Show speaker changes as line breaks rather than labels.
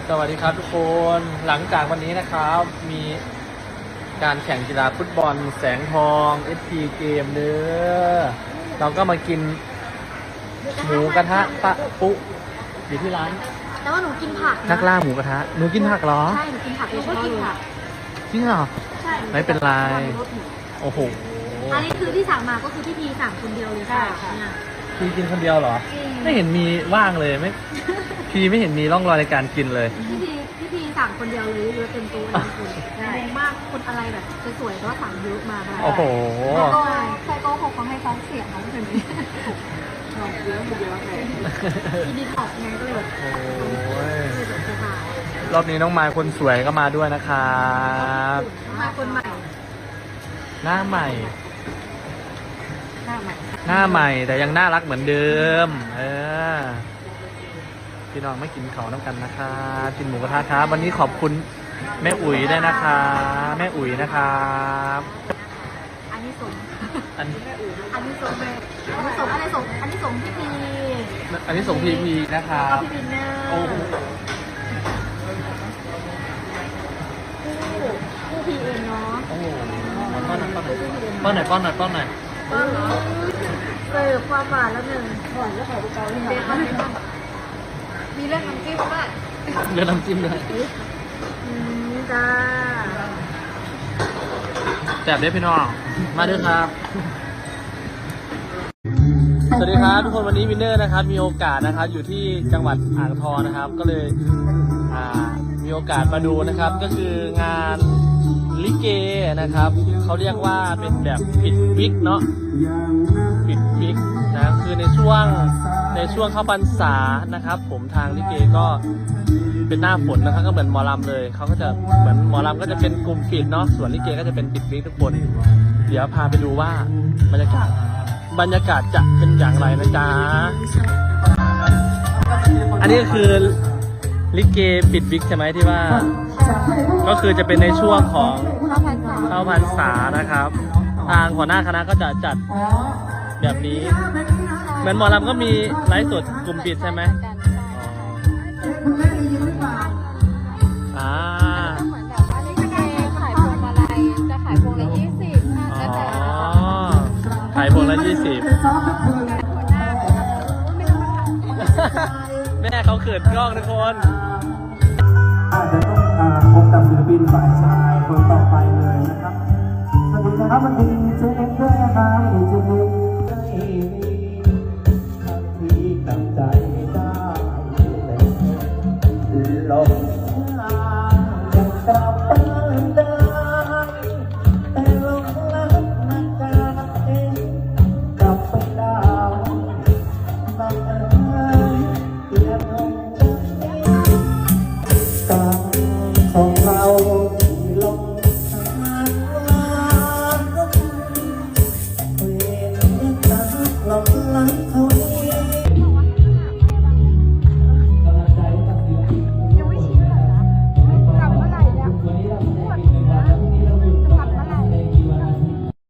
สวัสดีครับทุกคนหลังจากวันนี้นะครับมีการแข่งกีฬาฟุตบอลแสงทอง SP เกมเนื้อเราก็มากินหมูกระทะปะปุ๊อยู่ที่ร้าน
แต่ว่าหนูกินผัก
นักล่าหมูกระทะหนูกินผักเหรอ
ใช่หนูกินผักหนูก็กินผัก
จริงเหรอ
ใช่
ไม่เป็นไรโอ้โห
อันนี้คือที่สั่งมาก็คือพี่พีสั่งคนเดียวเลยค่ะเนี่ย
พี่กินคนเดียวเหรอ
จริง
ไม่เห็นมีว่างเลยไม่พี่ไม่เห็นมีร่องรอยในการกินเลย
พี่พีสั่งคนเดียวเลยเยอะเต็มตัวเลยคุณงงมากคนอะไรแบบสวยๆแต่ว่าสั่งเยอะมาแบบ
โอ้โห
ใครโกหกเขาให้ฟ้องเสียงน้องคนนี้เยอะเลยอีดีท็อกไงก็เลยแบบ
โอ้ย
เลยแบบสบาย
รอบนี้น้องไมค์คนสวยก็มาด้วยนะครับ
มาคนใหม่
หน้าใหม่
หน้าใหม่
หน้าใหม่แต่ยังน่ารักเหมือนเดิมพี่น้องไม่กินเขาน้ำกันนะคะกินหมูกระทะครับวันนี้ขอบคุณแม่อุ๋ยด้วยนะคะแม่อุ๋ยนะครับ
อันนี้ส่ง
อัน
อันนี้ส่งเลยอันนี้ส่งอะไรส่งอันนี้ส่งพี่พี
อันนี้ส่งพีพีนะครั
แล้วก็
บ
พี่วินเนอร์
โอ้โห
ผู้พีเองเนาะ
โอ้โหป้อนหน่อยป้อนหน่อยป้อนหน่อยป้อนหน่อยป้อนหน่อย
ก็เสิร์ฟความหวานแล้วหนึ่งหวานแล้วขอดูเกาหลีเด็ดมากมีเรื่องน้ำจิ้มด้วย
เรือน้ำจิ้มด้วย
จ้า
แซ่บเด้อพี่น้องมาด้วยครับ สวัสดีครับทุกคนวันนี้วินเนอร์นะครับมีโอกาสนะครับอยู่ที่จังหวัดอ่างทองนะครับก็เลยมีโอกาสมาดูนะครับก็คืองานลิเกนะครับเขาเรียกว่าเป็นแบบปิดวิกเนาะปิดวิกนะคือในช่วงเข้าพรรษานะครับผมทางลิเกก็เป็นหน้าฝนนะครับก็เหมือนหมอลำเลยเขาก็จะเหมือนหมอลำก็จะเป็นกลุ่มปิดเนาะส่วนลิเกก็จะเป็นปิดวิกทุกคนเดี๋ยวพาไปดูว่าบรรยากาศจะเป็นอย่างไรนะจ๊ะ อันนี้ก็คือลิเกปิดวิกใช่ไหมที่ว่า ก็คือจะเป็นในช่วงของเข้าพรรษานะครับ ทางหัวหน้าคณะก็จะจัดแบบนี้ เหมือนหมอลำก็มีไลฟ์สดกลุ่มปิดใช่ไหมอ่า
เหมือนแบบว่าลิเกขายพวงมาลัยจะขายพวงละ20แล้วแต่
ขายพวงละ20แม่เขาเขินกล้องทุกคน
อาจจะต้องพบกับศิลปินฝ่ายชายคนต่อไปเลยนะครับสวัสดีนะครับวันนี้เจเอ็มด้วยนะครับดีเจเอ็มใจดีที่ตั้งใจได้ลมยังกลับไป